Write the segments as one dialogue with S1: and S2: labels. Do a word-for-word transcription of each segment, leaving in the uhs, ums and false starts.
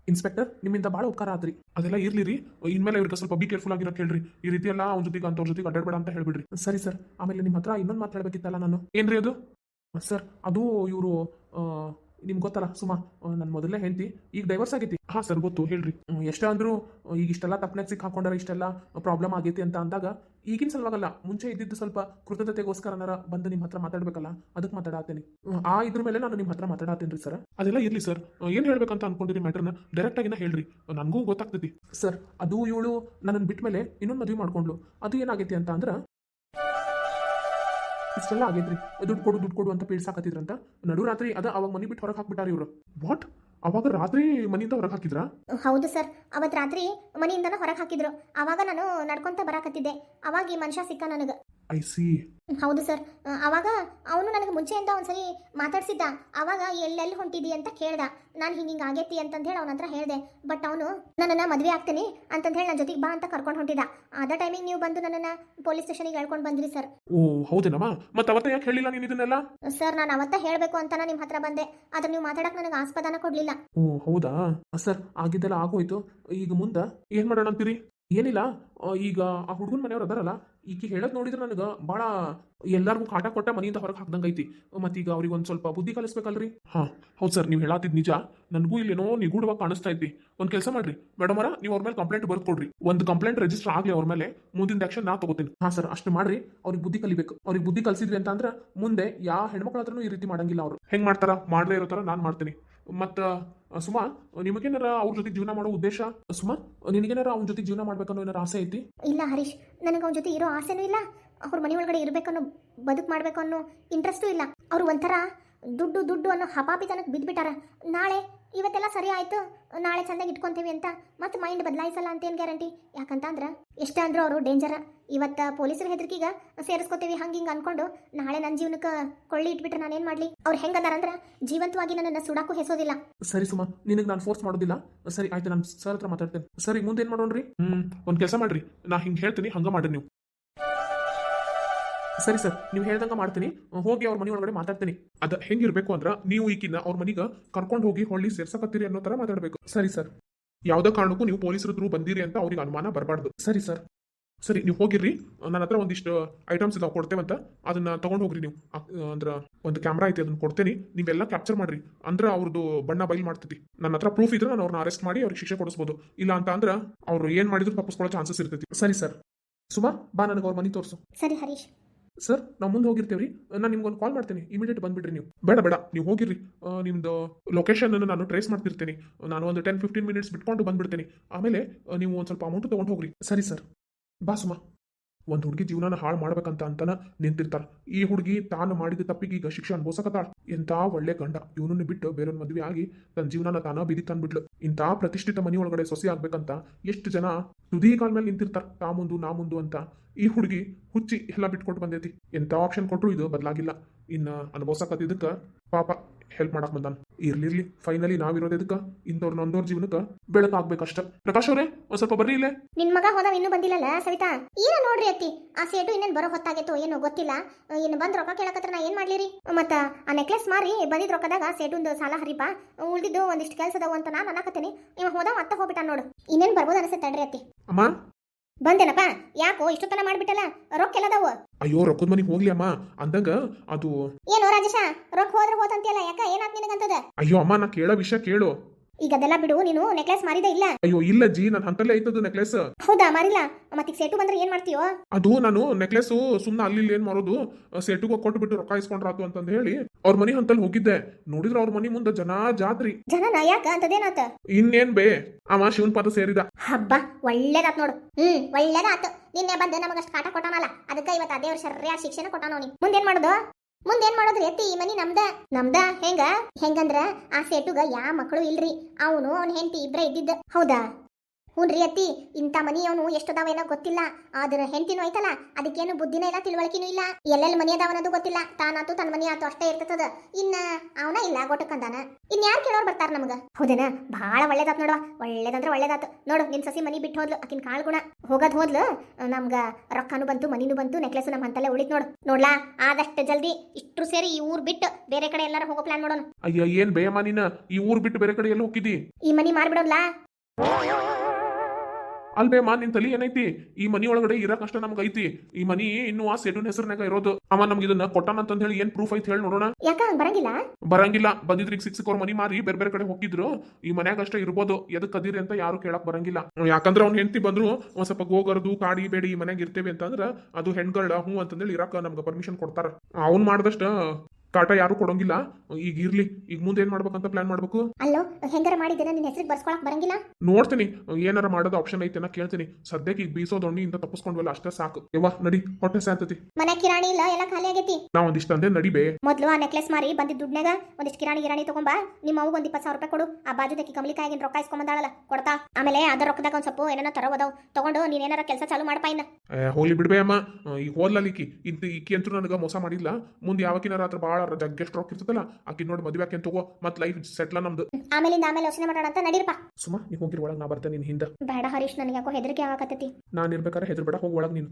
S1: Inspector ನಿಮ್ಮಿಂದ ಭಾಳ ಉಪಕಾರ ಆದ್ರಿ. ಅದೆಲ್ಲ ಇರ್ಲಿ ರೀ, ಇನ್ಮೇಲೆ ಇವ್ರಿಗೆ ಸ್ವಲ್ಪ ಬಿ ಕೇರ್ಫುಲ್ ಆಗಿರೋಕೆ ಹೇಳ್ರಿ. ಈ ರೀತಿ ಎಲ್ಲ ಅವ್ನ ಜೊತೆಗೆ ಅಂತವ್ರ ಜೊತೆಗೆ ಅಡ್ಡಾಡ್ಬೇಡ ಅಂತ ಹೇಳ್ಬಿಡ್ರಿ. ಸರಿ ಸರ್. ಆಮೇಲೆ ನಿಮ್ಮ ಹತ್ರ ಇನ್ನೊಂದು ಮಾತು ಹೇಳ್ಬೇಕಿತ್ತಲ್ಲ ನಾನು. ಏನ್ರಿ ಅದು? ಸರ್ ಅದು ಇವರು ನಿಮ್ಗೆ ಗೊತ್ತಲ್ಲ ಸುಮಾ, ನನ್ನ ಮೊದಲೇ ಹೆಂಡತಿ, ಈಗ ಡೈವರ್ಸ್ ಆಗೈತಿ. ಹಾಂ ಸರ್ ಗೊತ್ತು, ಹೇಳ್ರಿ. ಹ್ಮ್, ಎಷ್ಟೇ ಅಂದ್ರು ಈಗ ಇಷ್ಟೆಲ್ಲ ತಪ್ಪನೆಗೆ ಸಿಕ್ ಹಾಕೊಂಡಾರ, ಇಷ್ಟೆಲ್ಲ ಪ್ರಾಬ್ಲಮ್ ಆಗೈತಿ ಅಂತ ಅಂದಾಗ ಈಗಿನ ಸಲುವಾಗಲ್ಲ, ಮುಂಚೆ ಇದ್ದಿದ್ದು ಸ್ವಲ್ಪ ಕೃತಜ್ಞತೆಗೋಸ್ಕರನಾರ ಬಂದು ನಿಮ್ಮ ಹತ್ರ ಮಾತಾಡ್ಬೇಕಲ್ಲ, ಅದಕ್ಕೆ ಮಾತಾಡತ್ತೀನಿ. ಆ ಇದ್ರ ಮೇಲೆ ನಾನು ನಿಮ್ಮ ಹತ್ರ ಮಾತಾಡತ್ತೀನಿ ರೀ ಸರ್. ಅದೆಲ್ಲ ಇರ್ಲಿ ಸರ್, ಏನು ಹೇಳ್ಬೇಕಂತ ಅನ್ಕೊಂಡಿರಿ ಮ್ಯಾಟ್ರನ್ನ ಡೈರೆಕ್ಟ್ ಆಗಿನ ಹೇಳ್ರಿ, ನನಗೂ ಗೊತ್ತಾಗ್ತೈತಿ. ಸರ್ ಅದು ಇವಳು ನನ್ನನ್ನು ಬಿಟ್ಟ ಮೇಲೆ ಇನ್ನೊಂದು ಮದುವೆ ಮಾಡ್ಕೊಂಡ್ಲು. ಅದು ಏನಾಗೈತಿ ಅಂತ ಅಂದ್ರೆ ಇಷ್ಟೆಲ್ಲ ಆಗೈತ್ರಿ, ದುಡ್ಡು ಕೊಡು ದುಡ್ಡು ಕೊಡು ಅಂತ ಪೀಡ್ಸಾಕತ್ತಿದ್ರಂತ. ನಡು ರಾತ್ರಿ ಅದ ಅವಾಗ ಮನಿ ಬಿಟ್ಟು ಹೊರಗೆ ಹಾಕ್ಬಿಟ್ಟಾರ ಇವರು. ವಾಟ್? ಅವಾಗ ರಾತ್ರಿ ಮನೆಯಿಂದ ಹೊರಗೆ ಹಾಕಿದ್ರಾ?
S2: ಹೌದು ಸರ್, ಅವತ್ತು ರಾತ್ರಿ ಮನೆಯಿಂದನೂ ಹೊರಗೆ ಹಾಕಿದ್ರು. ಅವಾಗ ನಾನು ನಡ್ಕೊಂತ ಬರಾಕತ್ತಿದ್ದೆ, ಅವಾಗ ಈ ಮನುಷ್ಯ ಸಿಕ್ಕ ನನಗೆ.
S1: I see.
S2: ಹೌದು ಸರ್. ಅವಾಗ ಅವನು ನನಗೆ ಮುಂಚೆಯಿಂದ ಒಂದ್ಸರಿ ಮಾತಾಡ್ಸಿದ್ದ. ಅವಾಗ ಎಲ್ಲೆಲ್ಲಿ ಹೊಂಟಿದಿ ಅಂತ ಕೇಳ್ದ. ನಾನು ಹಿಂಗೆ ಹಿಂಗೆ ಆಗೈತಿ ಅಂತಂದು ಹೇಳಿ ಅವನ ಹತ್ರ ಹೇಳಿದೆ. ಬಟ್ ಅವನು ನನ್ನನ್ನು ಮದುವೆ ಆಗ್ತೀನಿ ಅಂತಂದು ಹೇಳಿ ನನ್ನ ಜೊತೆಗೆ ಬಾ ಅಂತ ಕರ್ಕೊಂಡು ಹೊಂಟಿದ್ದ. ಅದ ಟೈಮಿಗೆ ನೀವು ಬಂದು ನನ್ನನ್ನು ಪೊಲೀಸ್ ಸ್ಟೇಷನಿಗೆ ಹೇಳ್ಕೊಂಡು ಬಂದ್ರಿ ಸರ್.
S1: ಓ ಹೌದೇನಮ್ಮ, ಮತ್ತೆ ಅವತ್ತ ಯಾಕೆ ಹೇಳಿಲ್ಲ ನೀನು ಇದನ್ನೆಲ್ಲ?
S2: ಸರ್ ನಾನು ಅವತ್ತ ಹೇಳಬೇಕು ಅಂತ ನಿಮ್ಮ ಹತ್ರ ಬಂದೆ, ಆದ್ರೆ ನೀವು ಮಾತಾಡಕ್ಕೆ ನನಗೆ ಆಸ್ಪದನ ಕೊಡಲಿಲ್ಲ.
S1: ಓ ಹೌದಾ ಸರ್, ಆಗಿದ್ದೆಲ್ಲ ಆಗೋಯ್ತು. ಈಗ ಮುಂದೆ ಏನು ಮಾಡೋಣ ಅಂತೀರಿ? ಏನಿಲ್ಲ, ಈಗ ಆ ಹುಡುಗನ ಮನೆಯವ್ರು ಅದಾರಲ್ಲ, ಈಕೆ ಹೇಳೋದು ನೋಡಿದ್ರೆ ನನಗೆ ಭಾಳ ಎಲ್ಲರಿಗೂ ಕಾಟ ಕೊಟ್ಟ ಮನೆಯಿಂದ ಹೊರಗೆ ಹಾಕ್ದಂಗೆ ಐತಿ. ಮತ್ತೀಗ ಅವ್ರಿಗೆ ಒಂದು ಸ್ವಲ್ಪ ಬುದ್ಧಿ ಕಲಿಸ್ಬೇಕಲ್ರಿ. ಹಾಂ ಹೌದು ಸರ್, ನೀವು ಹೇಳತ್ತಿದ್ದು ನಿಜ. ನನಗೂ ಇಲ್ಲೇನೋ ನಿಗೂಢವಾಗಿ ಕಾಣಿಸ್ತಾ ಐತಿ. ಒಂದು ಕೆಲಸ ಮಾಡ್ರಿ ಮೇಡಮ್ ಅವರ, ನೀವು ಅವ್ರ ಮೇಲೆ ಕಂಪ್ಲೇಂಟ್ ಬರ್ದು ಕೊಡ್ರಿ. ಒಂದು ಕಂಪ್ಲೇಂಟ್ ರಿಜಿಸ್ಟರ್ ಆಗಲಿ ಅವ್ರ ಮೇಲೆ, ಮುಂದಿನ ಆಕ್ಷನ್ ನಾ ತಗೋತೀನಿ. ಹಾಂ ಸರ್, ಅಷ್ಟು ಮಾಡ್ರಿ. ಅವ್ರಿಗೆ ಬುದ್ಧಿ ಕಲಿಬೇಕು. ಅವ್ರಿಗೆ ಬುದ್ಧಿ ಕಲಿಸಿದ್ವಿ ಅಂತ ಅಂದ್ರೆ ಮುಂದೆ ಯಾವ ಹೆಣ್ಮಕ್ಳ ಹತ್ರನೂ ಈ ರೀತಿ ಮಾಡಂಗಿಲ್ಲ. ಅವರು ಹೆಂಗೆ ಮಾಡ್ತಾರ ಮಾಡದೇ ಇರೋ ಥರ ನಾನು ಮಾಡ್ತೀನಿ. ಮತ್ತು ಸುಮಾ, ನಿಮಗೇನಾರ ಅವ್ರ ಜೊತೆ ಜೀವನ ಮಾಡೋ ಉದ್ದೇಶ? ಸುಮಾ, ನಿನಗೇನಾರ ಅವ್ನ ಜೊತೆ ಜೀವನ ಮಾಡ್ಬೇಕನ್ನೋ ಏನಾರ ಆಸೆ ಐತಿ?
S2: ಇಲ್ಲ ಹರೀಶ್, ನನಗೆ ಅವನ ಜೊತೆ ಇರೋ ಆಸೆನೂ ಇಲ್ಲ. ಅವ್ರ ಮನೆ ಒಳಗಡೆ ಇರಬೇಕನ್ನೋ, ಬದುಕು ಮಾಡಬೇಕು ಅನ್ನೋ ಇಂಟ್ರೆಸ್ಟೂ ಇಲ್ಲ. ಅವರು ಒಂಥರ ದುಡ್ಡು ದುಡ್ಡು ಅನ್ನೋ ಹಪಾಪಿತನಕ್ಕೆ ಬಿದ್ದುಬಿಟ್ಟಾರ. ನಾಳೆ ಇವತ್ತೆಲ್ಲ ಸರಿ ಆಯಿತು, ನಾಳೆ ಚೆಂದಾಗಿ ಇಟ್ಕೊತೀವಿ ಅಂತ ಮತ್ತೆ ಮೈಂಡ್ ಬದಲಾಯಿಸಲ್ಲ ಅಂತೇನು ಗ್ಯಾರಂಟಿ? ಯಾಕಂತ ಅಂದ್ರೆ ಎಷ್ಟೇ ಅಂದರೂ ಅವರು ಡೇಂಜರ. ಇವತ್ತು ಪೊಲೀಸರ ಹೆದರಿಕೆಗೆ ಸೇರಿಸ್ಕೋತೀವಿ ಹಂಗೆ ಹಿಂಗೆ ಅನ್ಕೊಂಡು ನಾಳೆ ನನ್ನ ಜೀವನಕ್ಕೆ ಕೊಳ್ಳಿ ಇಟ್ಬಿಟ್ರೆ ನಾನೇನು ಮಾಡಲಿ? ಅವ್ರು ಹೆಂಗದಾರಂದ್ರೆ ಜೀವಂತವಾಗಿ ನನ್ನನ್ನು ಸುಡಾಕು ಹೆಸೋದಿಲ್ಲ. ಸರಿ ಸುಮಾ, ನಿನಗೆ ನಾನು ಫೋರ್ಸ್ ಮಾಡೋದಿಲ್ಲ. ಸರಿ ಆಯ್ತು, ನಾನು ಸರ್ ಹತ್ರ ಮಾತಾಡ್ತೇನೆ. ಸರಿ ಮುಂದೆ ಏನು ಮಾಡೋಣ್ರಿ? ಹ್ಞೂ ಒಂದು ಕೆಲಸ ಮಾಡ್ರಿ, ನಾ ಹಿಂಗೆ ಹೇಳ್ತೀನಿ ಹಂಗೆ ಮಾಡ್ರಿ ನೀವು. ಸರಿ ಸರ್, ನೀವು ಹೇಳ್ದಂಗೆ ಮಾಡ್ತೀನಿ. ಹೋಗಿ ಅವ್ರ ಮನೆ ಒಳಗಡೆ ಮಾತಾಡ್ತೀನಿ. ಅದು ಹೆಂಗಿರ್ಬೇಕು ಅಂದ್ರೆ, ನೀವು ಈಗಿನ ಅವ್ರ ಮನೆಗೆ ಕರ್ಕೊಂಡು ಹೋಗಿ ಹೊಳ್ಳಿ ಸೇರ್ಸಕತ್ತೀರಿ ಅನ್ನೋ ಥರ ಮಾತಾಡಬೇಕು. ಸರಿ ಸರ್. ಯಾವುದೇ ಕಾರಣಕ್ಕೂ ನೀವು ಪೊಲೀಸರ ಥ್ರೂ ಬಂದಿರಿ ಅಂತ ಅವ್ರಿಗೆ ಅನುಮಾನ ಬರಬಾರ್ದು. ಸರಿ ಸರ್. ಸರಿ, ನೀವು ಹೋಗಿರ್ರಿ. ನನ್ನ ಹತ್ರ ಒಂದಿಷ್ಟು ಐಟಮ್ಸ್ ಇದಾವೆ ಕೊಡ್ತೇವಂತ, ಅದನ್ನ ತಗೊಂಡು ಹೋಗ್ರಿ ನೀವು. ಅಂದ್ರೆ ಒಂದು ಕ್ಯಾಮ್ರಾ ಐತಿ, ಅದನ್ನ ಕೊಡ್ತೇನೆ, ನೀವೆಲ್ಲ ಕ್ಯಾಪ್ಚರ್ ಮಾಡ್ರಿ. ಅಂದ್ರೆ ಅವ್ರದ್ದು ಬಣ್ಣ ಬಯಲು ಮಾಡ್ತೈತಿ. ನನ್ನ ಹತ್ರ ಪ್ರೂಫ್ ಇದ್ರೆ ನಾನು ಅವ್ರನ್ನ ಅರೆಸ್ಟ್ ಮಾಡಿ ಅವ್ರಿಗೆ ಶಿಕ್ಷೆ ಕೊಡಿಸ್ಬೋದು. ಇಲ್ಲ ಅಂತ ಅಂದ್ರೆ ಅವ್ರು ಏನು ಮಾಡಿದ್ರು ತಪ್ಪಿಸ್ಕೊಳ್ಳೋ ಚಾನ್ಸಸ್ ಇರ್ತೈತಿ. ಸರಿ ಸರ್. ಸುಮಾ ಬಾ, ನನಗೆ ಅವ್ರ ಮನೆ ತೋರಿಸು. ಸರಿ ಹರೀಶ್.
S1: ಸರ್, ನಾವು ಮುಂದೆ ಹೋಗಿರ್ತೇವ್ರಿ. ನಾನು ನಿಮ್ಗೊಂದು ಕಾಲ್ ಮಾಡ್ತೀನಿ, ಇಮಿಡಿಯೇಟ್ ಬಂದ್ಬಿಡ್ರಿ ನೀವು. ಬೇಡ ಬೇಡ, ನೀವು ಹೋಗಿರ್ರಿ. ನಿಮ್ದು ಲೊಕೇಶನ್ ನಾನು ಟ್ರೇಸ್ ಮಾಡ್ತಿರ್ತೀನಿ. ನಾನು ಒಂದು ಟೆನ್ ಫಿಫ್ಟೀನ್ ಮಿನಿಟ್ಸ್ ಬಿಟ್ಕೊಂಡು ಬಂದ್ಬಿಡ್ತೀನಿ. ಆಮೇಲೆ ನೀವು ಒಂದು ಸ್ವಲ್ಪ ಅಮೌಂಟ್ ತೊಗೊಂಡು ಹೋಗ್ರಿ. ಸರಿ ಸರ್. ಬಾ ಸುಮಾ. ಒಂದು ಹುಡುಗಿ ಜೀವನ ಹಾಳು ಮಾಡ್ಬೇಕಂತ ಅಂತಾನ ನಿಂತಿರ್ತಾರ. ಈ ಹುಡುಗಿ ತಾನು ಮಾಡಿದ ತಪ್ಪಿಗೆ ಈಗ ಶಿಕ್ಷೆ ಅನುಭವಿಸಕತ್ತಾಳ. ಇಂಥ ಒಳ್ಳೆ ಗಂಡ ಇವನನ್ನು ಬಿಟ್ಟು ಬೇರೊಂದು ಮದುವೆ ಆಗಿ ತನ್ನ ಜೀವನ ತಾನ ಬೀದಿ ತಂದ್ಬಿಡ್ಲು. ಇಂಥ ಪ್ರತಿಷ್ಠಿತ ಮನೆ ಒಳಗಡೆ ಸೊಸೆ ಆಗ್ಬೇಕಂತ ಎಷ್ಟು ಜನ ತುದಿ ಕಾಲ ಮೇಲೆ ನಿಂತಿರ್ತಾರ, ತಾ ಮುಂದು ನಾ ಮುಂದು ಅಂತ. ಈ ಹುಡುಗಿ ಹುಚ್ಚಿ ಎಲ್ಲ ಬಿಟ್ಕೊಟ್ಟು ಬಂದೈತಿ. ಎಂಥ ಆಪ್ಷನ್ ಕೊಟ್ಟರು ಇದು ಬದಲಾಗಿಲ್ಲ. ಇನ್ನು ಅನುಭವಿಸಕತ್ತಿದ್ದಕ್ಕೆ ಪಾಪ ಹೆಲ್ಪ್ ಮಾಡಕ್ ಬಂದಾನ. ಇರ್ಲಿರ್ಲಿ, ಫೈನಲಿ ನಾವಿರೋದು ಇದಕ್ಕೆ ಇಂಥವ್ರ ನೊಂದೋರ್ ಜೀವನಕ್ಕೆ ಬೆಳಕಾಗ್ಬೇಕಷ್ಟ. ಪ್ರಕಾಶ್ ಅವರೇ, ಒಂದ್ ಸ್ವಲ್ಪ ಬರ್ರಿ ಇಲ್ಲೇ.
S2: ನಿನ್ ಮಗ ಹೋದ ಇನ್ನೂ ಬಂದಿಲ್ಲಲ್ಲ ಸವಿತಾ? ಏನೋ ನೋಡ್ರಿ ಅತ್ತಿ, ಆ ಸೇಟು ಇನ್ನೇನು ಬರೋ ಹೊತ್ತಾಗೈತೋ ಏನೋ ಗೊತ್ತಿಲ್ಲ. ಇನ್ನು ಬಂದ್ ರೊಕ್ಕ ಕೇಳಕತ್ರ ನಾ ಏನ್ ಮಾಡ್ಲಿರಿ? ಮತ್ತ ಆ ನೆಕ್ಲೆಸ್ ಮಾರಿ ಬಂದಿದ್ ರೊಕ್ಕದಾಗ ಸೇಟುಂದು ಸಾಲ ಹರಿಪ, ಉಳ್ದಿದ್ದು ಒಂದಿಷ್ಟು ಕೆಲಸ ಅದಾವ ಅಂತ ನಾನು ಅನ್ನಕತ್ತೀನಿ. ಇವ ಹೋದ ಮತ್ತೆ ಹೋಗ್ಬಿಟ್ಟ ನೋಡು. ಇನ್ನೇನ್ ಬರ್ಬೋದು ಅನ್ಸುತ್ತೆ. ತಡ್ರಿ ಅತ್ತಿ.
S1: ಅಮ್ಮ
S2: ಬಂದೇನಪ್ಪ? ಯಾಕೋ ಇಷ್ಟೊತ್ತನ ಮಾಡ್ಬಿಟ್ಟಲ್ಲ? ರೊಕ್ಕ ಎಲ್ಲದಾವು?
S1: ಅಯ್ಯೋ, ರೊಕ್ಕದ ಮನೆಗೆ ಹೋಗ್ಲಿ ಅಮ್ಮ ಅಂದಂಗ ಅದು.
S2: ಏನೋ ರಾಜೇಶ, ರೊಕ್ಕ ಹೋದ್ರೆ ಹೋತಂತಿಯಲ್ಲ, ಯಾಕ ಏನಾತ್ ನಿನಗಂತದ?
S1: ಅಯ್ಯೋ ಅಮ್ಮ, ನಾ ಕೇಳೋ ವಿಷಯ ಕೇಳು.
S2: ಈಗ ಅದೆಲ್ಲ ಬಿಡು, ನೀನು ನೆಕ್ಲೆಸ್ ಮಾರಿದ ಇಲ್ಲ?
S1: ಅಯ್ಯೋ ಇಲ್ಲ ಜಿ, ನನ್ನ ಹಂತಲ್ಲೇ ಐತದು ನೆಕ್ಲೆಸ್.
S2: ಹೌದಾ, ಮಾರಿಲ್ಲ? ಮತ್ತೀಗ ಸೇಟು ಬಂದ್ರೆ ಏನ್ ಮಾಡ್ತೀಯೋ?
S1: ಅದು ನಾನು ನೆಕ್ಲೆಸ್ ಸುಮ್ಮನೆ ಅಲ್ಲಿ ಏನ್ ಮಾಡೋದು, ಸೇಟುಗ ಕೊಟ್ಟು ಬಿಟ್ಟು ರೊಕ್ಕ ಇಸ್ಕೊಂಡ್ರಾತು ಅಂತಂದ್ ಹೇಳಿ ಅವ್ರ ಮನಿ ಹಂತಲ್ಲಿ ಹೋಗಿದ್ದೆ. ನೋಡಿದ್ರ ಅವ್ರ ಮನಿ ಮುಂದೆ ಜನ ಜಾತ್ರಿ.
S2: ಜನನ ಯಾಕ ಅಂತದೇನಾತ?
S1: ಇನ್ನೇನ್ ಬೇ, ಅವ ಶಿವನ್ ಪಾದ ಸೇರಿದ.
S2: ಹಬ್ಬ, ಒಳ್ಳೇದಾತ್ ನೋಡು. ಹ್ಮ್ ಒಳ್ಳೇದಾತು. ನಿನ್ನೆ ಬಂದು ನಮಗಷ್ಟು ಕಾಟ ಕೊಟ್ಟಾನಲ್ಲ, ಅದಕ್ಕೆ ಇವತ್ತು ಅದೇ ವರ್ಷ ಸರಿಯಾದ ಶಿಕ್ಷಣ ಕೊಟ್ಟಾನ ಅವನಿಗೆ. ಮುಂದೇನ್ ಮಾಡೋದು? ಮುಂದೇನ್ ಮಾಡೋದ್ರಿ ಅತ್ತಿ? ಈ ಮನಿ ನಮ್ದ. ನಮ್ದ ಹೆಂಗ? ಹೆಂಗಂದ್ರ ಆ ಸೇಟುಗ ಯಾ ಮಕ್ಕಳು ಇಲ್ರಿ. ಅವನು ಅವ್ನ ಹೆಂಡತಿ ಇಬ್ರೇ ಇದ್ದಿದ್ದ. ಹೌದಾ? ಹ್ಞೂನ್ರಿ ಅತ್ತಿ, ಇಂಥ ಮನಿ ಅವನು ಎಷ್ಟದಾವೇನೋ ಗೊತ್ತಿಲ್ಲ. ಆದ್ರ ಹೆಂಡತಿನೂ ಐತಲ್ಲ, ಅದಕ್ಕೇನು ಬುದ್ಧಿನೂ ಇಲ್ಲ, ತಿಳುವಳಿಕೆನೂ ಇಲ್ಲ. ಎಲ್ಲೆಲ್ಲಿ ಮನಿ ಅದಾವನ್ನೋದು ಗೊತ್ತಿಲ್ಲ. ತಾನಾತು ತನ್ನ ಮನಿ ಆತು ಅಷ್ಟೇ ಇರ್ತದ. ಇನ್ನ ಅವನ ಇಲ್ಲ ಗೊಟ್ಟಕ್ಕಂದಾನ. ಇನ್ ಯಾರು ಕೇಳೋರ್ ಬರ್ತಾರ ನಮಗ? ಹೌದೇನ? ಬಹಳ ಒಳ್ಳೇದಾತ್ ನೋಡುವ, ಒಳ್ಳೇದಂದ್ರ ಒಳ್ಳೇದಾತು ನೋಡು. ನಿನ್ ಸಸಿ ಮನಿ ಬಿಟ್ಟು ಹೋದ್ಲು, ಆಕಿನ ಕಾಳ್ ಗುಣ ಹೋಗದ್ ಹೋದ್ಲು. ನಮ್ಗ ರೊಕ್ಕನು ಬಂತು, ಮನಿನೂ ಬಂತು, ನೆಕ್ಲೆಸ್ ನಮ್ಮ ಹಂತಲ್ಲೇ ಉಳಿತ್ ನೋಡು. ನೋಡ್ಲಾ, ಆದಷ್ಟು ಜಲ್ದಿ ಇಷ್ಟ್ರು ಸೇರಿ ಈ ಊರ್ ಬಿಟ್ಟು ಬೇರೆ ಕಡೆ ಎಲ್ಲಾರ ಹೋಗೋ ಪ್ಲಾನ್ ಮಾಡೋಣ.
S1: ಅಯ್ಯ ಏನ್ ಬೇಯಮ್ಮ ನೀನ, ಈ ಊರ್ ಬಿಟ್ಟು ಬೇರೆ ಕಡೆ ಎಲ್ಲ ಹೋಗಿದ್ದಿ?
S2: ಈ ಮನಿ ಮಾರ್ಬಿಡೋಲ್ಲ.
S1: ಅಲ್ಬೇಮ್ಮ, ನಿನ್ ತಲಿ ಏನೈತಿ? ಈ ಮನಿ ಒಳಗಡೆ ಇರಕ್ ಅಷ್ಟ ನಮ್ಗೆ ಐತಿ. ಈ ಮನಿ ಇನ್ನು ಆ ಸೆಟುನ್ ಹೆಸರಿನಾಗ ಇರೋದು. ಅವ ನಮ್ಗೆ ಇದನ್ನ ಕೊಟ್ಟಾನ ಅಂತ ಹೇಳಿ ಏನ್ ಪ್ರೂಫ್ ಐತಿ ಹೇಳಿ ನೋಡೋಣ.
S2: ಯಾಕ ಬರಂಗಿಲ್ಲ?
S1: ಬರಂಗಿಲ್ಲ. ಬಂದಿದ್ರಿಗೆ ಸಿಕ್ಸ್ ಅವ್ರ ಮನಿ ಮಾರಿ ಬೇರೆ ಬೇರೆ ಕಡೆ ಹೋಗಿದ್ರು. ಈ ಮನ್ಯಾಗ ಅಷ್ಟೇ ಇರ್ಬೋದು. ಎದಕ್ ಅದಿರಿ ಅಂತ ಯಾರು ಕೇಳಕ್ ಬರಂಗಿಲ್ಲ. ಯಾಕಂದ್ರ ಅವ್ನ ಹೆಂಡತಿ ಬಂದ್ರು ಒಂದ್ ಸ್ವಲ್ಪ ಗೋಗರ್ದು ಕಾಡಿ ಬೇಡಿ ಈ ಮನ್ಯಾಗ ಇರ್ತೇವೆ ಅಂತಂದ್ರ ಅದು ಹೆಣ್ಗಳ ಹೂ ಅಂತಂದೇಳಿ ಇರಾಕ ನಮ್ಗೆ ಪರ್ಮಿಷನ್ ಕೊಡ್ತಾರ. ಅವ್ನ್ ಮಾಡ್ದಷ್ಟ ಕಾಟ ಯಾರು ಕೊಡೋಂಗಿಲ್ಲ. ಈಗ ಇರ್ಲಿ, ಈಗ ಮುಂದೆ ಏನ್ ಮಾಡ್ಬೇಕಂತ ಪ್ಲಾನ್ ಮಾಡ್ಬೇಕು.
S2: ಅಲ್ಲೋ, ಹೆಂಗಾರ ಮಾಡಿದ್ದೇನೆ ನಿನ್ನ ಹೆಸರಿಗೆ ಬರ್ಸ್ಕೊಳಕ್ ಬರಂಗಿಲ್ಲ?
S1: ನೋಡ್ತೀನಿ ಏನಾರ ಮಾಡೋದು ಆಪ್ಷನ್ ಐತೆ ನಾ ಕೇಳ್ತೀನಿ. ಸದ್ಯಕ್ಕೆ ಈಗ ಬೀಸೋ ದೊಣ್ಣಿಯಿಂದ ತಪ್ಪಿಸ್ಕೊಂಡ್ವಲ್ಲ ಅಷ್ಟೇ ಸಾಕು. ಯವ್ವ ನಡಿ, ಹೊಟ್ಟೆ ಸಾಂತತಿ.
S2: ಮನೆ ಕಿರಾಣಿ ಇಲ್ಲ, ಎಲ್ಲ ಖಾಲಿ ಆಗೈತಿ.
S1: ನಾ ಒಂದಿಷ್ಟ ಅಂದೆ ನಡಿಬೇ.
S2: ಮೊದ್ಲು ಆ ನೆಕ್ಲೆಸ್ ಮಾರಿ ಬಂದಿದ್ದ ದುಡ್ನಾಗ ಒಂದಿಷ್ಟು ಕಿರಾಣಿ ಗಿರಾಣಿ ತಗೊಂಬಾ. ನಿಮ್ಮ ಅವ್ಗ ಒಂದ್ ಇಪ್ಪತ್ತು ಸಾವಿರ ರೂಪಾಯಿ ಕೊಡು. ಆ ಬಾಜುದಕ್ಕೆ ಕಮಲಿಕಾಯಿಗಿನ ರೊಕ್ಕ ಇಸ್ಕೊಂಬಂದಾಳಲ್ಲ ಕೊಡ್ತಾ. ಆಮೇಲೆ ಅದರ ರೊಕ್ಕದಾಗ ಒಂದ್ ಸ್ವಲ್ಪ ಏನಾರ ತರೋದಾವ್ ತಗೊಂಡು ನೀನ್ ಏನಾರ ಕೆಲಸ ಚಾಲು ಮಾಡಪ್ಪ. ಇನ್ನ
S1: ಹೋಗ್ಲಿ ಬಿಡ್ಬೇ ಅಮ್ಮ. ಈಗ ಹೋದ್ಲಿಕ್ಕಿ ಇಂತ ಈಕಿ ಅಂತೂ ನನಗೆ ಮೋಸ ಮಾಡಿಲ್ಲ. ಮುಂದೆ ಯಾವಕಿನಾರ ಹತ್ರ ಭಾಳ ಜಗ್ಗೆಷ್ಟು ರೊಕ್ಕ ಇರ್ತದಲ್ಲ, ಆಕಿ ನೋಡಿ ಮದುವೆ ಆಕೆ ತಗೋ, ಮತ್ ಲೈಫ್ ಸೆಟ್ಲ ನಮ್ದು.
S2: ಆಮೇಲಿಂದ ಆಮೇಲೆ ಯೋಚನೆ ಮಾಡೋಣ ಅಂತ ನಡೀರಪ್ಪ.
S1: ಸುಮಾ ನೀ ಹೋಗಿರ್ ಒಳಗೆ, ನಾ ಬರ್ತೇನೆ ನಿನ್ ಹಿಂದ.
S2: ಬೇಡ ಹರೀಶ್, ನನಗೆ ಯಾಕೋ ಹೆದರಿಕೆ ಆಗಕತ್ತೈತಿ.
S1: ನಾನು ಇರ್ಬೇಕಾದ್ರೆ ಹೆದರ್ ಬೇಡ, ಹೋಗಿ ಒಳಗೆ. ನೀನು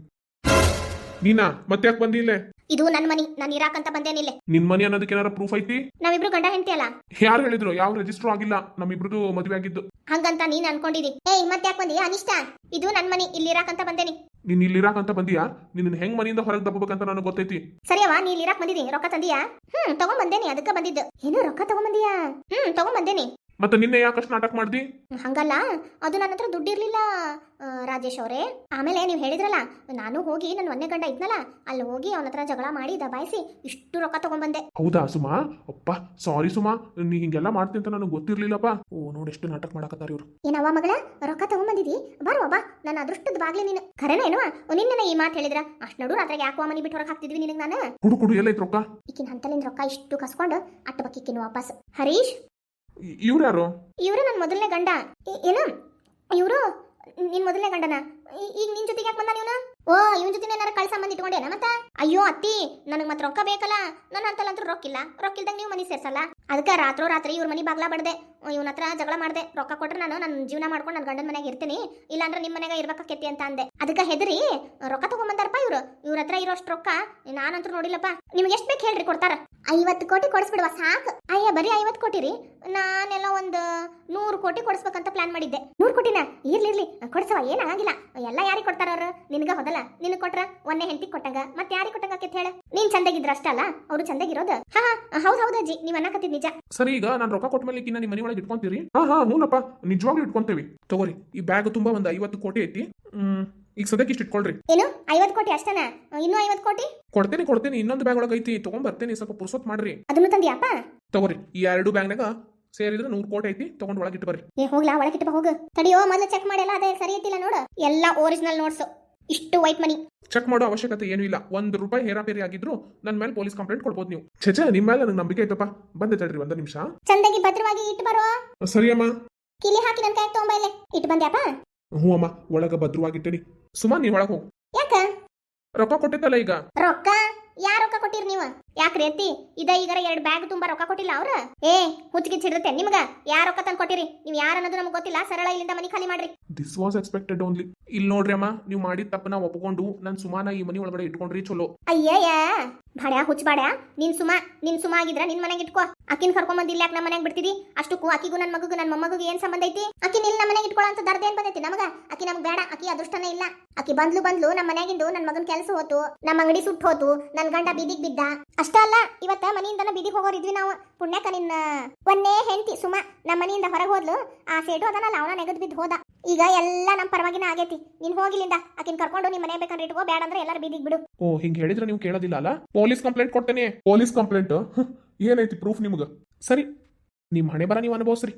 S1: ನೀನಾ ಮತ್ತೆ ಯಾಕೆ ಬಂದಿ ಇಲ್ಲೇ?
S2: ಇದು ನನ್ನ ಮನಿ, ನಾನು ಇರಾಕಂತ ಬಂದೇನಿಲ್ಲ.
S1: ನಿನ್ ಮನಿ ಅನ್ನೋದಕ್ಕೆ ಏನಾರ ಪ್ರೂಫ್ ಐತಿ?
S2: ನಾವಿಬ್ರು ಗಂಡ ಹೆಂಡತಿ ಅಲ್ಲ.
S1: ಯಾರು ಹೇಳಿದ್ರು? ಯಾವ ರಿಜಿಸ್ಟರ್ ಆಗಿಲ್ಲ ನಮ್ಮಿಬ್ರದು ಮದುವೆ ಆಗಿದ್ದು.
S2: ಹಂಗಂತ ನೀನ್ ಅನ್ಕೊಂಡಿದಿ? ಏಯ್ ಮತ್ತೆ ಯಾಕೆ ಬಂದಿ ಅನಿಷ್ಟ? ಇದು ನನ್ನ ಮನಿ, ಇಲ್ಲಿ ಇರಾಕಂತ ಬಂದೇನಿ.
S1: ನೀನ್ ಇಲ್ಲಿ ಇರಾಕಂತ ಬಂದಿಯಾ? ನಿನ್ನ ಹೆಂಗ್ ಮನಿಯಿಂದ ಹೊರಗೆ ದಬ್ಬಬೇಕಂತ ನನಗೆ ಗೊತ್ತೈತಿ.
S2: ಸರಿಯವಾ, ನೀ ಇಲ್ಲಿ ಇರಾಕ್ ಬಂದಿದಿ, ರೊಕ್ಕ ತಂದಿಯಾ? ಹ್ಮ್ ತಗೊಂಡ್ ಬಂದೇನಿ, ಅದಕ್ಕೆ ಬಂದಿದ್ದು. ಏನು ರೊಕ್ಕ ತಗೊಂಡ್ ಬಂದಿಯಾ? ಹ್ಮ್ ತಗೊಂಡ್ ಬಂದೇನಿ.
S1: ಮತ್ತೆ ನಿನ್ನೆ ಯಾಕಷ್ಟು ನಾಟಕ ಮಾಡ್ದಿ?
S2: ಹಂಗಲ್ಲ, ಅದು ನನ್ನ ಹತ್ರ ದುಡ್ಡಿರ್ಲಿಲ್ಲ ರಾಜೇಶ್ ಅವರೇ. ಆಮೇಲೆ ನೀವು ಹೇಳಿದ್ರಲ್ಲ, ನಾನು ಹೋಗಿ ನನ್ನ ಒಂದೇ ಗಂಡ ಇದ್ನಲ್ಲ, ಅಲ್ಲಿ ಹೋಗಿ ಅವನ ಹತ್ರ ಜಗಳ ಮಾಡಿ ದಬಾಯಿಸಿ ಇಷ್ಟು ರೊಕ್ಕ ತಗೊಂಡ್ಬಂದೆ.
S1: ಹೌದಾ ಸುಮಾ? ಅಪ್ಪ ಸಾರಿ ಸುಮಾ, ನೀ ಹಿಂಗೆಲ್ಲ ಮಾಡ್ತೀನಿ ಅಂತ ನನಗೆ ಗೊತ್ತಿರ್ಲಿಲ್ಲಪ್ಪ. ಓ ನೋಡಿ ಎಷ್ಟು ನಾಟಕ ಮಾಡಕತ್ತಾರ ಇವ್ರು.
S2: ಏನವ್ವ ಮಗಳ, ರೊಕ್ಕ ತಗೊಂಡ್ಬಂದಿದಿ? ಬರುವ ಬಾ, ನನ್ನ ಅದೃಷ್ಟದ ಬಾಗ್ಲಿ ನೀನು. ಖರೇನ ಏನವ? ನಿನ್ನೆ ಈ ಮಾತು ಹೇಳಿದ್ರ ಅಷ್ಟು ನಡು ರಾತ್ರಿಗೆ ಯಾಕೋ ಮನಿ ಬಿಟ್ಟು ಹೊರಗೆ ಹಾಕ್ತಿದ್ವಿ ನಿನಗೆ ನಾನು.
S1: ಕುಡು ಕುಡು ಎಲ್ಲೈತ್ ರೊಕ್ಕ?
S2: ಈಕಿನ ಹಂತಲಿಂದ ರೊಕ್ಕ ಇಷ್ಟು ಕಸ್ಕೊಂಡು ಅಟ್ಟು ಬಕ್ಕಿಕ್ಕಿನ ವಾಪಸ್. ಹರೀಶ್,
S1: ಇವ್ರು ಯಾರು?
S2: ಇವರು ನನ್ನ ಮೊದಲನೇ ಗಂಡ. ಏನು ಇವರು ನಿನ್ ಮೊದಲನೇ ಗಂಡನ? ಈಗ ನಿನ್ ಜೊತೆಗೆ ಯಾಕೆ ಬಂದ ನೀವನ? ಓ ಇವನ್ ಜೊತೆ ಏನಾರ ಕಳ್ಸ ಸಂಬಂಧ ಇಟ್ಕೊಂಡೇನ ಮತ್ತ? ಅಯ್ಯೋ ಅತ್ತಿ, ನನಗೆ ಮತ್ತೆ ರೊಕ್ಕ ಬೇಕಲ್ಲ. ನನ್ನ ಅಂತಲ್ಲಂತೂ ರೊಕ್ಕಿಲ್ಲ. ರೊಕ್ಕಿಲ್ದಂಗ ನೀವು ಮನಿ ಸೇರ್ಸಲ್ಲ. ಅದಕ್ಕೆ ರಾತ್ರೋ ರಾತ್ರಿ ಇವ್ರ ಮನಿ ಬಾಗ್ಲಾ ಬಡ್ದೆ, ಇವನ ಹತ್ರ ಜಗಳ ಮಾಡ್ದೆ. ರೊಕ್ಕ ಕೊಟ್ರೆ ನಾನು ನನ್ನ ಜೀವನ ಮಾಡ್ಕೊಂಡು ನನ್ನ ಗಂಡನ ಮನೆಯಾಗ ಇರ್ತೀನಿ, ಇಲ್ಲಾಂದ್ರೆ ನಿಮ್ಮ ಮನೆಯಾಗ ಇರ್ಬೇಕಾಕೇತಿ ಅಂತ ಅಂದೆ. ಅದಕ್ಕೆ ಹೆದರಿ ರೊಕ್ಕ ತಗೊಂಬಂದಾರಪ್ಪ ಇವ್ರು. ಇವ್ರ ಹತ್ರ ಇರೋಷ್ಟು ರೊಕ್ಕ ನಾನಂತೂ ನೋಡಿಲ್ಲಪ್ಪ. ನಿಮ್ಗೆ ಎಷ್ಟು ಬೇಕು ಹೇಳ್ರಿ, ಕೊಡ್ತಾರ. ಐವತ್ತು ಕೋಟಿ ಕೊಡಿಸ್ಬಿಡುವ ಸಾಕು. ಅಯ್ಯ ಬರೀ ಐವತ್ತು ಕೋಟಿ ರೀ? ನಾನೆಲ್ಲ ಒಂದು ನೂರು ಕೋಟಿ ಕೊಡಿಸ್ಬೇಕಂತ ಪ್ಲಾನ್ ಮಾಡಿದ್ದೆ. ನೂರು ಕೋಟಿನ? ಇರ್ಲಿ ಇರ್ಲಿ ಕೊಡ್ಸವ, ಏನಾಗಿಲ್ಲ. ಎಲ್ಲ ಯಾರಿಗೆ ಕೊಡ್ತಾರ ಅವ್ರು? ನಿನ್ಗ ಹೋದಲ್ಲ, ನಿನಗೆ ಕೊಟ್ರ ಒಂದೇ ಹೆಂಡತಿ ಕೊಟ್ಟಂಗ ಮತ್ತೆ ಯಾರಿಗೆ ಕೊಟ್ಟಂಗ ಹೇಳ? ನೀನ್ ಚಂದಾಗಿದ್ರ ಅಷ್ಟ ಅಲ್ಲ, ಅವ್ರು ಚಂದಾಗಿರೋದು. ಹಾ ಹಾ ಹೌದ್ ಹೌದು ಅಜ್ಜಿ, ನೀವ್ ಅನ್ನಕತ್ತಿದ್ ನಿಜ.
S1: ಸರಿ, ಈಗ ನಾನು ರೊಕ್ಕ ಕೊಟ್ಟ ಮೇಲೆ ನಿಮ್ಮ ಮನೆ ಒಳಗೆ ಇಟ್ಕೊಂತೀರಿ? ಹಾ ಹಾ ಹೂನಪ್ಪ, ನಿಜವಾಗ್ಲೂ ಇಟ್ಕೊಂತೇವಿ. ತಗೋರಿ, ಈ ಬ್ಯಾಗ್ ತುಂಬಾ ಒಂದ್ ಐವತ್ತು ಕೋಟಿ ಐತಿ. ಹ್ಮ್ ಈಗ ಸದ್ಯಕ್ಕೆ ಇಷ್ಟು ಇಟ್ಕೊಳ್ರಿ.
S2: ಏನು ಐವತ್ತು ಕೋಟಿ ಅಷ್ಟನಾ? ಇನ್ನೂ ಐವತ್ತು ಕೋಟಿ
S1: ಕೊಡ್ತೇನೆ ಕೊಡ್ತೇನೆ ಇನ್ನೊಂದು ಬ್ಯಾಗ್ ಒಳಗೆ ಐತಿ, ತಗೊಂಡ್ ಬರ್ತೇನೆ. ಸ್ವಲ್ಪ ಪುರ್ಸೊತ್ ಮಾಡ್ರಿ.
S2: ಅದನ್ನು ತಂದಿಯಪ್ಪ?
S1: ತಗೋರಿ, ಈ ಎರಡು ಬ್ಯಾಗ್ನಾಗ ಸೇರಿದ್ರೆ ನೂರು ಕೋಟಿ ಐತಿ, ತಗೊಂಡ್ ಒಳಗಿಟ್ಟು ಬರ್ರಿ.
S2: ಏ ಹೋಗ್ಲಾ, ಒಳಗಿಟ್ಟು ಹೋಗು. ತಡಿಯೋ, ಮೊದಲು ಚೆಕ್ ಮಾಡಿ, ಎಲ್ಲ ಅದೇ ಸರಿ ಐತಿಲ್ಲ ನೋಡು. ಎಲ್ಲ ಒರಿಜಿನಲ್ ನೋಟ್ಸ್, ಇಷ್ಟು ವೈಟ್ ಮನಿ.
S1: ಚೆಕ್ ಮಾಡೋ ಅವಶ್ಯಕತೆ ಏನೂ ಇಲ್ಲ. ಒಂದ್ ರೂಪಾಯಿ ಹೇರಾಪೇರಿ ಆಗಿದ್ರು ನನ್ನ ಮೇಲೆ ಪೊಲೀಸ್ ಕಂಪ್ಲೇಂಟ್ ಕೊಡ್ಬೋದು ನೀವು. ಛೇ, ನಿಮ್ಮ ಮೇಲೆ ನನಗೆ ನಂಬಿಕೆ ಐತಪ್ಪ. ಬಂದೆ ತಡ್ರಿ ಒಂದು ನಿಮಿಷ.
S2: ಚಂದಾಗಿ ಭದ್ರವಾಗಿ ಇಟ್ಟು ಬರೋ.
S1: ಸರಿ ಅಮ್ಮ.
S2: ಕಿಲಿ ಹಾಕಿ ನನ್ನ ಕೈ ತಗೊಂಬ. ಇಲ್ಲೇ ಇಟ್ಟು ಬಂದ್ಯಾಪ?
S1: ಹ್ಞೂ ಅಮ್ಮ, ಒಳಗ ಭದ್ರವಾಗಿಟ್ಟೇನಿ. ಸುಮಾ ನೀ ಒಳಗೆ ಹೋಗು.
S2: ಯಾಕ?
S1: ರೊಕ್ಕ ಕೊಟ್ಟಿದ್ದಲ್ಲ ಈಗ.
S2: ರೊಕ್ಕ ಯಾರ ರೊಕ್ಕ ಕೊಟ್ಟಿರಿ ನೀವು? ಯಾಕ್ರಿ ಅತ್ತಿ, ಇದ ಈಗಾರ ಎರಡು ಬ್ಯಾಗ್ ತುಂಬಾ ರೊಕ್ಕ ಕೊಟ್ಟಿಲ್ಲ ಅವ್ರ? ಏ ಹುಚ್ಚಿಗೆ ಚಿಡ್ರತೆ ನಿಮ್ಗ. ಯಾರ ರೊಕ್ಕ ತಂದು ಕೊಟ್ಟಿರಿ? ನೀವು ಯಾರು ಅನ್ನೋದು ನಮ್ಗೆ ಗೊತ್ತಿಲ್ಲ. ಸರಳ ಇಲ್ಲಿಂದ ಮನಿ ಖಾಲಿ ಮಾಡ್ರಿ.
S1: This was expected only. ಇಲ್ಲಿ ನೋಡ್ರಿ ಅಮ್ಮ, ನೀವು ಮಾಡಿದ ತಪ್ಪನ ಒಪ್ಕೊಂಡು ನನ್ನ ಸುಮಾನ ಈ ಮನಿ ಒಳಗಡೆ ಇಟ್ಕೊಂಡ್ರಿ ಚಲೋ.
S2: ಅಯ್ಯಯ್ಯ ಬಾಡ್ಯಾ, ಹುಚ್ಚ ಬಾಡ್ಯಾ. ನಿನ್ ಸುಮಾ ನಿನ್ ಸುಮಾ ಆಗಿದ್ರ ನಿನ್ ಮನೆಗೆ ಇಟ್ಕೋ. ಅಕ್ಕಿನ ಕರ್ಕೊಂಡ್ ಬಂದಿಲ್ಲ, ಯಾಕೆ ನಮ್ಮ ಮನೆಗೆ ಬಿಡ್ತಿದಿ? ಅಷ್ಟಕ್ಕೂ ಅಕ್ಕಿಗೂ ನನ್ನ ಮಗುಗೂ ನನ್ನ ಮೊಮ್ಮಗೂ ಏನ್ ಸಂಬಂಧ ಐತಿ? ಅಕ್ಕಿ ನಿಲ್ ನಮ್ಮ ಮನೆಗೆ ಇಟ್ಕೊಳ್ಳೋ ಅಂತ ದರ್ದ ಏನ್ ಬಂದೈತಿ ನಮಗ? ಅಕ್ಕಿ ನಮ್ಗೆ ಬೇಡ, ಅಕ್ಕಿ ಅದೃಷ್ಟನೇ ಇಲ್ಲ. ಅಕ್ಕಿ ಬಂದ್ಲು ಬಂದ್ಲು ನಮ್ಮ ಮನೆಯಾಗಿಂದು ನನ್ನ ಮಗನ ಕೆಲಸ ಹೋತು, ನಮ್ಮ ಅಂಗಡಿ ಸುಟ್ಟು ಹೋತು, ನನ್ನ ಗಂಡ ಬೀದಿಗೆ ಬಿದ್ದ. ಅಷ್ಟ ಅಲ್ಲ, ಇವತ್ತ ಮನೆಯಿಂದನ ಬೀದಿಗೆ ಹೋಗೋರಿದ್ವಿ ನಾವು. ಪುಣ್ಯಕ ನಿನ್ನ ಒಂದೇ ಹೆಂಡತಿ ಸುಮಾ ನಮ್ಮ ಮನೆಯಿಂದ ಹೊರಗೆ ಹೋದ್ಲು. ಆ ಸೇಟು ಅದನ್ನಲ್ಲ, ಅವನ ನೆಗದ್ ಬಿದ್ದು ಹೋದ. ಈಗ ಎಲ್ಲ ನಮ್ಮ ಪರವಾಗಿನ ಆಗೈತಿ. ನೀನ್ ಹೋಗಿಲಿಂದ ಅಕ್ಕಿನ ಕರ್ಕೊಂಡು ನಿಮ್ಮ ಮನೆ ಬೇಕಂದ್ರೆ ಇಟ್ಕೋ, ಬೇಡ ಅಂದ್ರೆ ಎಲ್ಲರೂ ಬೀದಿಗೆ ಬಿಡು.
S1: ಓ ಹಿಂಗ್ ಹೇಳಿದ್ರೆ ನೀವು ಕೇಳೋದಿಲ್ಲ ಅಲ್ಲ? ಪೊಲೀಸ್ ಕಂಪ್ಲೇಂಟ್ ಕೊಡ್ತೇನೆ. ಪೊಲೀಸ್ ಕಂಪ್ಲೇಂಟ್ ಏನೈತಿ ಪ್ರೂಫ್ ನಿಮ್ಗ? ಸರಿ, ನಿಮ್ ಹಣೆ ಬರ ನೀವು ಅನುಭವಿಸ್ರಿ.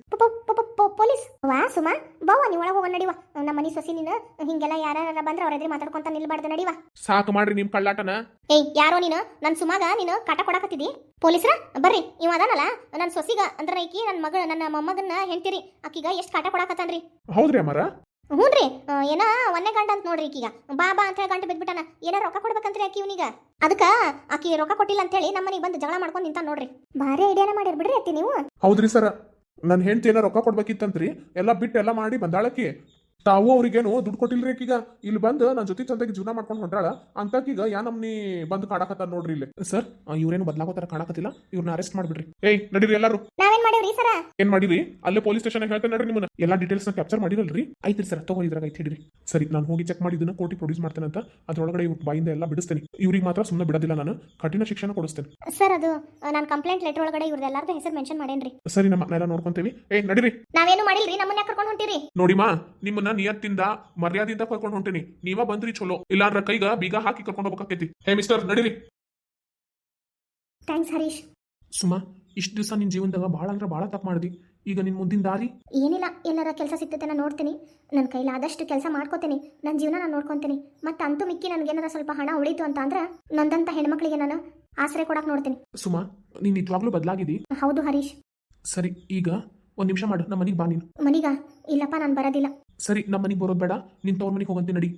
S2: ಪೊಲೀಸ್ ವಾ ಸುಮಾ, ಬಾವ ನೀ ಒಳಗೆ ಹೋಗೋ. ನಡಿವ, ನಮ್ಮ ಮನಿ ಸೊಸಿ ನೀನು. ಹಿಂಗೆಲ್ಲ ಯಾರ ಬಂದ್ರೆ ಅವ್ರ ಎದುರು ಮಾತಾಡ್ಕೊಂತ ನಿಲ್ಬಾರ್ದು. ನಡಿವ.
S1: ಸಾಕು ಮಾಡ್ರಿ ನಿಮ್ ಕಳ್ಳಾಟನ.
S2: ಏಯ್ ಯಾರೋ ನೀನು? ನನ್ ಸುಮಾಗ ನೀನು ಕಾಟ ಕೊಡಕತ್ತಿದಿ? ಪೊಲೀಸ್ರ ಬರ್ರಿ. ಇವ ಅದಾನಲ್ಲ ನನ್ನ ಸೊಸಿಗ, ಅಂದ್ರೆ ಈಕಿ ನನ್ನ ಮಗಳ, ನನ್ನ ಮೊಮ್ಮಗನ್ನ ಹೆಂಡ್ತಿರಿ. ಆಕಿಗ ಎಷ್ಟು ಕಾಟ ಕೊಡಕತ್ತಾನ್ರಿ.
S1: ಹೌದ್ರಿ ಅಮ್ಮಾರ?
S2: ಹ್ಞೂ ರೀ ಏನ ಒಂದೇ ಗಂಟೆ ಅಂತ ನೋಡ್ರಿ ಈಗೀಗ ಬಾ ಬಾ ಅಂತ ಹೇಳಿ ಗಂಟೆ ಬಿದ್ಬಿಟ್ಟಾನ ಏನೋ ರೊಕ್ಕ ಕೊಡ್ಬೇಕಂತ್ರಿ ಆಕಿ ಇವನಿಗ ಅದಕ್ಕೆ ಆಕಿ ರೊಕ್ಕ ಕೊಟ್ಟಿಲ್ಲ ಅಂತ ಹೇಳಿ ನಮ್ಮನಿಗೆ ಬಂದು ಜಗಳ ಮಾಡ್ಕೊಂಡು ನಿಂತ ನೋಡ್ರಿ ಭಾರಿ ಐಡಿಯಾನ ಮಾಡಿರ್ ಬಿಡ್ರಿ ಅತ್ತಿ ನೀವು
S1: ಹೌದ್ರಿ ಸರ ನನ್ನ ಹೆಂಡತಿ ಏನೋ ರೊಕ್ಕ ಕೊಡ್ಬೇಕಿತ್ತಂತ್ರಿ ಎಲ್ಲ ಬಿಟ್ಟು ಎಲ್ಲ ಮಾಡಿ ಬಂದಾಳಕಿ ತಾವು ಅವ್ರಿಗೇನು ದುಡ್ಡು ಕೊಟ್ಟಿಲ್ರಿ ಆಕೀಗ ಇಲ್ಲಿ ಬಂದು ನನ್ನ ಜೊತೆ ಚಂದಾಗಿ ಜೀವನ ಮಾಡ್ಕೊಂಡು ಹೊಂಟಾಳ ಅಂತಕೀಗ ಯಾ ನಮ್ನಿ ಬಂದು ಕಾಡಕತ್ತಾರ ನೋಡ್ರಿ ಇಲ್ಲಿ ಸರ್ ಇವ್ರೇನು ಬದಲಾಗೋತರ ಕಾಣಕತ್ತಿಲ್ಲ ಇವ್ರನ್ನ ಅರೆಸ್ಟ್ ಮಾಡ್ಬಿಡ್ರಿ ಏಯ್ ನಡೀರಿ ಎಲ್ಲಾರು
S2: ನಾವೇನ್ ಮಾಡೇವ್ರಿ ಸರ
S1: ಏನ್ ಮಾಡಿರಿ ಅಲ್ಲೇ ಪೊಲೀಸ್ ಸ್ಟೇಷನ್ ಹೇಳ್ತೇನೆ ನಡ್ರಿ ನಿಮ್ಮನ್ನ ಎಲ್ಲಾ ಡೀಟೇಲ್ಸ್ ನ ಕ್ಯಾಪ್ಚರ್ ಮಾಡಿರಲ್ರಿ ಐತ್ರಿ ಸರ್ ತಗೋ ಇದ್ರಾಗ ಐತಿ ಹಿಡಿರಿ ಸರಿ ನಾನು ಹೋಗಿ ಚೆಕ್ ಮಾಡಿದ್ದನ್ನ ಕೋರ್ಟಿಗೆ ಪ್ರೊಡ್ಯೂಸ್ ಮಾಡ್ತೇನೆ ಅಂತ ಅದ್ರೊಳಗಡೆ ಇವ್ರ ಬಾಯಿಂದ ಎಲ್ಲ ಬಿಡಿಸ್ತೇನೆ ಇವ್ರಿಗೆ ಮಾತ್ರ ಸುಮ್ಮನೆ ಬಿಡೋದಿಲ್ಲ ನಾನು ಕಠಿಣ ಶಿಕ್ಷಣ ಕೊಡಿಸ್ತೇನೆ
S2: ಸರ್ ಅದು ನಾನು ಕಂಪ್ಲೇಂಟ್ ಲೆಟರ್ ಒಳಗಡೆ ಇವ್ರದ್ದು ಎಲ್ಲಾರ್ದು ಹೆಸರು ಮೆನ್ಷನ್ ಮಾಡೇನ್ರಿ
S1: ಸರಿ ನಮ್ಮ ಎಲ್ಲ ನೋಡ್ಕೊಂತೇವಿ ಏಯ್ ನಡೀರಿ
S2: ನಾವೇನು ಮಾಡಿಲ್ರಿ ನಮ್ಮನ್ನ ಯಾಕೆ ಕರ್ಕೊಂಡು ಹೊಂಟಿರಿ
S1: ನೋಡಿಮಾ ನಿಮ್ಮನ್ನ ನಿಯತ್ತಿಂದ ಮರ್ಯಾದಿಂದ ಕರ್ಕೊಂಡು ಹೊಂಟೇನಿ ನೀವ ಬಂದ್ರಿ ಚಲೋ ಇಲ್ಲಾಂದ್ರ ಕೈಗ ಬೀಗ ಹಾಕಿ ಕರ್ಕೊಂಡು ಹೋಗ್ಬೇಕೈತಿ ಹೇ ಮಿಸ್ಟರ್ ನಡೀರಿ
S2: ಥ್ಯಾಂಕ್ಸ್ ಹರೀಶ್
S1: ಸುಮಾ ಇಷ್ಟು ದಿವಸ ನಿನ್ ಜೀವನದಾಗ ಭಾಳ ಅಂದ್ರೆ ಭಾಳ ತಪ್ಪು ಮಾಡಿದಿ ಈಗ ನಿನ್ ಮುಂದಿನ ದಾರಿ
S2: ಏನಿಲ್ಲ ಎಲ್ಲರ ಕೆಲಸ ಸಿಗ್ತೈತೆ ನಾನು ನೋಡ್ತೀನಿ ನನ್ನ ಕೈಲಾದಷ್ಟು ಕೆಲಸ ಮಾಡ್ಕೋತೀನಿ ನನ್ನ ಜೀವನ ನಾನು ನೋಡ್ಕೊತೀನಿ ಮತ್ತೆ ಅಂತೂ ಮಿಕ್ಕಿ ನನಗೇನಾರ ಸ್ವಲ್ಪ ಹಣ ಉಳಿತು ಅಂತ ಅಂದ್ರೆ ನೊಂದಂತ ಹೆಣ್ಮಕ್ಳಿಗೆ ನಾನು ಆಶ್ರಯ ಕೊಡಕ್ಕೆ ನೋಡ್ತೀನಿ
S1: ಸುಮಾ ನೀನ್ ನಿಜವಾಗ್ಲೂ ಬದಲಾಗಿದಿ
S2: ಹೌದು ಹರೀಶ್
S1: ಸರಿ ಈಗ ಒಂದ್ ನಿಮಿಷ ಮಾಡು ನಮ್ಮ ಮನೆಗೆ ಬಾ ನೀನು
S2: ಮನಿಗ ಇಲ್ಲಪ್ಪ ನಾನು ಬರೋದಿಲ್ಲ
S1: ಸರಿ ನಮ್ಮ ಮನೆಗೆ ಬರೋದು ಬೇಡ ನಿನ್ ತವ್ರ ಮನೆಗೆ ಹೋಗಂತೆ ನಡಿ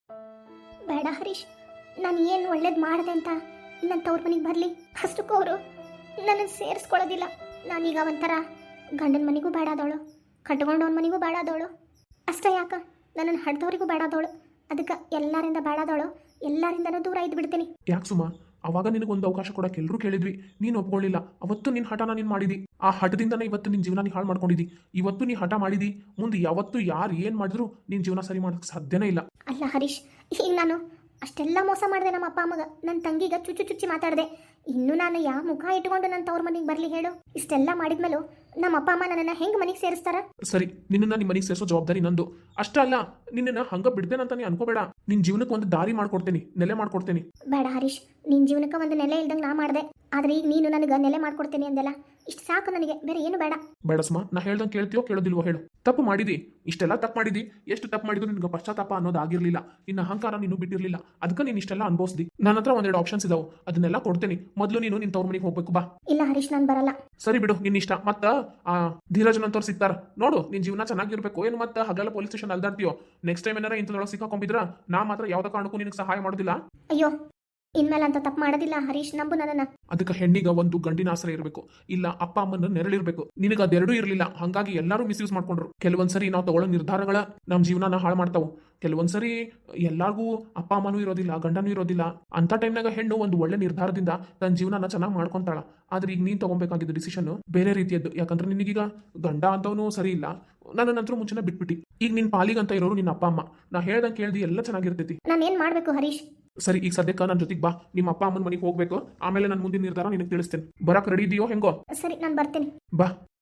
S2: ಬೇಡ ಹರೀಶ್ ನಾನು ಏನು ಒಳ್ಳೇದು ಮಾಡಿದೆ ಅಂತ ನನ್ನ ತವ್ರ ಮನೆಗೆ ಬರಲಿ ಅಷ್ಟಕ್ಕೂ ಅವರು ನನ್ನ ಸೇರಿಸ್ಕೊಳ್ಳೋದಿಲ್ಲ ನಾನೀಗ ಒಂಥರ ಗಂಡನ ಮನೆಗೂ ಬೇಡಾದವಳು ಕಟ್ಕೊಂಡವನ ಮನೆಗೂ ಬೇಡಾದವಳು ಅಷ್ಟೇ ಯಾಕ ನನ್ನನ್ನು ಹಡ್ದವ್ರಿಗೂ ಬೇಡಾದವಳು ಅದಕ್ಕೆ ಎಲ್ಲರಿಂದ ಬೇಡಾದವಳು ಎಲ್ಲರಿಂದನೂ ದೂರ ಇದ್ದು ಬಿಡ್ತೀನಿ
S1: ಯಾಕೆ ಸುಮಾ ಅವಾಗ ನಿನಗೊಂದು ಅವಕಾಶ ಕೊಡಕ್ಕೆ ಎಲ್ಲರೂ ಕೇಳಿದ್ವಿ ನೀನು ಒಪ್ಕೊಳ್ಳಿಲ್ಲ ಅವತ್ತು ನಿನ್ನ ಹಠನ ನೀನು ಮಾಡಿದಿ ಆ ಹಠದಿಂದನೇ ಇವತ್ತು ನಿನ್ನ ಜೀವನ ನೀ ಹಾಳು ಮಾಡ್ಕೊಂಡಿದ್ದಿ ಇವತ್ತು ನೀ ಹಠ ಮಾಡಿದಿ ಮುಂದೆ ಯಾವತ್ತು ಯಾರು ಏನು ಮಾಡಿದ್ರು ನಿನ್ನ ಜೀವನ ಸರಿ ಮಾಡೋಕ್ಕೆ ಸಾಧ್ಯನೇ ಇಲ್ಲ
S2: ಅಲ್ಲ ಹರೀಶ್ ಈಗ ನಾನು ಅಷ್ಟೆಲ್ಲ ಮೋಸ ಮಾಡಿದೆ ನಮ್ಮ ಅಪ್ಪ ಅಮ್ಮಗ ನನ್ನ ತಂಗಿಗ ಚುಚ್ಚು ಚುಚ್ಚಿ ಮಾತಾಡಿದೆ ಇನ್ನು ನಾನು ಯಾವ ಮುಖ ಇಟ್ಕೊಂಡು ನನ್ನ ತವ್ರ ಮನೆಗೆ ಬರಲಿ ಹೇಳು ಇಷ್ಟೆಲ್ಲ ಮಾಡಿದ್ಮೇಲೂ ನಮ್ಮ ಅಪ್ಪ ಅಮ್ಮ ನನ್ನನ್ನು ಹೆಂಗೆ ಮನೆಗೆ ಸೇರಿಸ್ತಾರ
S1: ಸರಿ ನಿನ್ನನ್ನ ನಿಮ್ಮ ಮನೆಗೆ ಸೇರಿಸೋ ಜವಾಬ್ದಾರಿ ನಂದು ಅಷ್ಟೇ ಅಲ್ಲ ನಿನ್ನನ್ನ ಹಂಗ ಬಿಡ್ದೇನಂತ ನೀ ಅನ್ಕೋಬೇಡ ನಿನ್ನ ಜೀವನಕ್ಕೆ ಒಂದು ದಾರಿ ಮಾಡ್ಕೊಡ್ತೀನಿ ನೆಲೆ ಮಾಡ್ಕೊಡ್ತೀನಿ
S2: ಬೇಡ ಹರೀಶ್ ನಿನ್ನ ಜೀವನಕ್ಕೆ ಒಂದು ನೆಲೆ ಇಲ್ದಂಗೆ ನಾ ಮಾಡಿದೆ ಆದ್ರೆ ಈಗ ನೀನು ನನಗೆ ನೆಲೆ ಮಾಡ್ಕೊಡ್ತೀನಿ ಅಂದೆಲ್ಲ ಇಷ್ಟು ಸಾಕು ನನಗೆ ಬೇರೆ ಏನು ಬೇಡ
S1: ಬೇಡ ಸುಮಾ ನಾ ಹೇಳ್ದಂಗೆ ಕೇಳ್ತೀಯೋ ಕೇಳೋದಿಲ್ವೋ ಹೇಳು ತಪ್ಪು ಮಾಡಿದಿ ಇಷ್ಟೆಲ್ಲ ತಪ್ಪು ಮಾಡಿದಿ ಎಷ್ಟು ತಪ್ಪು ಮಾಡಿದ್ರು ನಿನ್ಗೆ ಪಶ್ಚಾತ್ತಾಪ ಅನ್ನೋದು ಆಗಿರ್ಲಿಲ್ಲ ನಿನ್ನ ಅಹಂಕಾರ ನೀನು ಬಿಟ್ಟಿರ್ಲಿಲ್ಲ ಅದಕ್ಕೆ ನೀನು ಇಷ್ಟೆಲ್ಲ ಅನ್ಭವಿಸ್ದಿ ನನ್ನ ಹತ್ರ ಒಂದೆರಡು ಆಪ್ಷನ್ಸ್ ಇದಾವೆ ಅದನ್ನೆಲ್ಲ ಕೊಡ್ತೀನಿ ಮೊದಲು ನೀನು ನಿನ್ನ ತವ್ರ ಮನೆಗೆ ಹೋಗ್ಬೇಕು ಬಾ
S2: ಇಲ್ಲ ಹರೀಶ್ ನಾನು ಬರಲ್ಲ
S1: ಸರಿ ಬಿಡು ನಿನ್ನ ಇಷ್ಟ ಮತ್ತ ಆ ಧೀರಜನ್ ಅಂತವ್ರು ಸಿಗ್ತಾರ ನೋಡು ನಿನ್ ಜೀವನ ಚೆನ್ನಾಗಿರ್ಬೇಕು ಏನು ಮತ್ತೆ ಹಗಲ ಪೊಲೀಸ್ ಸ್ಟೇಷನ್ ಅಲ್ದಾಡ್ತೀಯೋ ನೆಕ್ಸ್ಟ್ ಟೈಮ್ ಏನಾರ ಇಂಥದೊಳಗೆ ಸಿಕ್ಕಾಕೊಂಡಿದ್ರ ನಾ ಮಾತ್ರ ಯಾವ್ದ ಕಾರಣಕ್ಕೂ ನಿನಗೆ ಸಹಾಯ ಮಾಡೋದಿಲ್ಲ
S2: ಅಯ್ಯೋ ಇನ್ಮೇಲೆ ಅಂತ ತಪ್ಪು ಮಾಡೋದಿಲ್ಲ ಹರೀಶ್ ನಂಬು ನನ್ನನ್ನ
S1: ಅದಕ್ಕೆ ಹೆಣ್ಣಿಗ ಒಂದು ಗಂಡಿನ ಆಶ್ರಯ ಇರಬೇಕು ಇಲ್ಲ ಅಪ್ಪ ಅಮ್ಮನ ನೆರಳಿರ್ಬೇಕು ನಿನಗೆ ಅದೆರಡೂ ಇರಲಿಲ್ಲ ಹಂಗಾಗಿ ಎಲ್ಲರೂ ಮಿಸ್ಯೂಸ್ ಮಾಡ್ಕೊಂಡ್ರು ಕೆಲವೊಂದ್ಸರಿ ನಾವು ತಗೊಳ್ಳೋ ನಿರ್ಧಾರಗಳ ನಮ್ಮ ಜೀವನನ ಹಾಳು ಮಾಡ್ತಾವು ಕೆಲವೊಂದ್ಸರಿ ಎಲ್ಲಾರ್ಗೂ ಅಪ್ಪ ಅಮ್ಮನೂ ಇರೋದಿಲ್ಲ ಗಂಡನೂ ಇರೋದಿಲ್ಲ ಅಂತ ಟೈಮ್ನಾಗ ಹೆಣ್ಣು ಒಂದು ಒಳ್ಳೆ ನಿರ್ಧಾರದಿಂದ ತನ್ನ ಜೀವನನ ಚೆನ್ನಾಗಿ ಮಾಡ್ಕೊಂತಾಳ ಆದ್ರೆ ಈಗ ನೀನ್ ತಗೊಬೇಕಾಗಿದ್ದ ಡಿಸಿಷನ್ ಬೇರೆ ರೀತಿಯದ್ದು ಯಾಕಂದ್ರೆ ನಿನಗೀಗ ಗಂಡ ಅಂತವನು ಸರಿ ಇಲ್ಲ ನನ್ನ ನಂತರ ಮುಂಚೆನ ಬಿಟ್ಬಿಟ್ಟಿ ಈಗ ನಿನ್ ಪಾಲಿಗಂತ ಇರೋರು ನಿನ್ನ ಅಪ್ಪ ಅಮ್ಮ ನಾ ಹೇಳ್ದಂಗೆ ಕೇಳ್ದಿ ಎಲ್ಲ ಚೆನ್ನಾಗಿರ್ತೈತಿ
S2: ನಾನು ಏನ್ ಮಾಡ್ಬೇಕು ಹರೀಶ್
S1: ಸರಿ ಈಗ ಸದ್ಯಕ್ಕೆ ನನ್ನ ಜೊತೆಗೆ ಬಾ ನಿಮ್ಮ ಅಪ್ಪ ಅಮ್ಮನ ಮನೆಗೆ ಹೋಗ್ಬೇಕು ಆಮೇಲೆ ನನ್ನ ಮುಂದಿನ ನಿರ್ಧಾರ ನಿನಗೆ ತಿಳಿಸ್ತೇನೆ ಬರಕ್ ರೆಡಿ ಇದೆಯೋ ಹೆಂಗೋ
S2: ಸರಿ ನಾನು ಬರ್ತೇನೆ
S1: ಬಾ